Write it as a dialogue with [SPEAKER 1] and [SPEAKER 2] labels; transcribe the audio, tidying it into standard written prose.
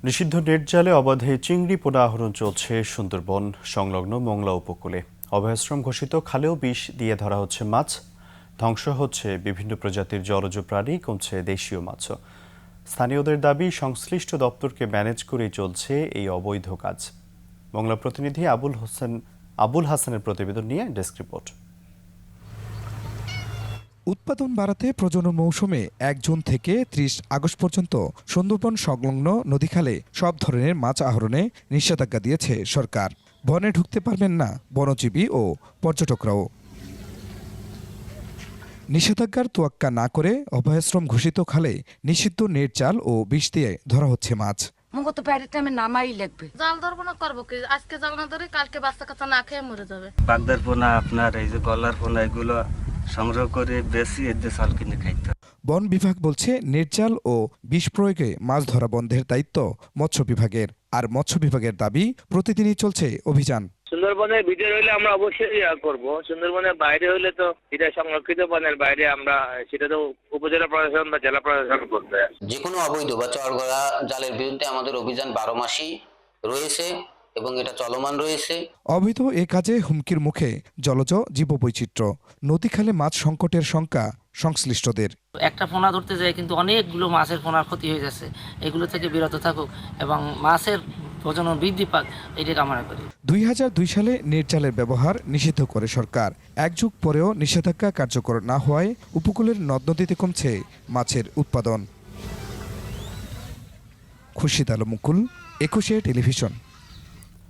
[SPEAKER 1] নিষিদ্ধ নেট জালে অবাধে চিংড়ি পোনা আহরণ চলছে সুন্দরবন সংলগ্ন মংলা উপকূলে। অভয়াশ্রম ঘোষিত খালেও বিষ দিয়ে ধরা হচ্ছে মাছ, ধ্বংস হচ্ছে বিভিন্ন প্রজাতির জলজ প্রাণী, কমছে দেশীয় মাছও। স্থানীয়দের দাবি, সংশ্লিষ্ট দপ্তরকে ম্যানেজ করেই চলছে এই অবৈধ কাজ। মংলা প্রতিনিধি আবুল হাসানের প্রতিবেদন নিয়ে ডেস্ক রিপোর্ট।
[SPEAKER 2] উৎপাদন বাড়াতে প্রজনন মৌসুমে ১ জুন থেকে ৩০ আগস্ট পর্যন্ত সুন্দরবন সংলগ্ন নদীখালে সব ধরনের মাছ আহরণে নিষেধাজ্ঞা দিয়েছে সরকার। বনে ঢুকতে পারবেন না বনজীবী ও পর্যটকরাও। নিষেধাজ্ঞার তোয়াক্কা না করে অভয়াশ্রম ঘোষিত খালে নিষিদ্ধ নেট জাল ও বিষ দিয়ে ধরা হচ্ছে মাছ।
[SPEAKER 3] তো বাইরের টাইমে নামাই লাগবে।
[SPEAKER 4] জাল ধরবো না, করবো কি? আজকে জাল না ধরে কালকে বাচ্চা কাচ্চা না খেয়ে মরে যাবে।
[SPEAKER 5] বাগদার পোনা, আপনার এই যে গলার পোনা, এগুলো সংগ্রহ করে বেশি এদের চাল কিনে খাইতে।
[SPEAKER 2] বন বিভাগ বলছে নেট জাল ও বিষ প্রয়োগে মাছ ধরা বন্ধের দায়িত্ব মৎস্য বিভাগের। আর মৎস্য বিভাগের দাবি, প্রতিদিনই চলছে অভিযান।
[SPEAKER 6] সুন্দরবনের ভিতরে হইলে আমরা অবশ্যই করব, সুন্দরবনের বাইরে হইলে তো এটা সংরক্ষিত বনের বাইরে আমরা সেটা তো উপজেলা প্রশাসন বা জেলা প্রশাসন করবে।
[SPEAKER 7] যে কোনো অবৈধ বা চরগড়া জালের বিরুদ্ধে আমাদের অভিযান 12 মাসই রয়েছে এবং এটা চলমান রয়েছে।
[SPEAKER 2] অবৈধ এ কাজে হুমকির মুখে জলজ জীববৈচিত্র্য। নদীখালে মাছ সংকটের শঙ্কা সংশ্লিষ্টদের।
[SPEAKER 8] একটা পোনা ধরতে যায় কিন্তু অনেকগুলো মাছের পোনার ক্ষতি হয়ে যাচ্ছে। এগুলো থেকে বিরত থাকুক এবং মাছের প্রজনন বৃদ্ধি পাক, এটি কামনা করি।
[SPEAKER 2] ২০০২ সালে নেট জালের ব্যবহার নিষিদ্ধ করে সরকার। এক যুগ পরেও নিষেধাজ্ঞা কার্যকর না হওয়ায় উপকূলের নদ নদীতে কমছে মাছের উৎপাদন। খুরশিদ আলম মুকুল, ২১ টেলিভিশন।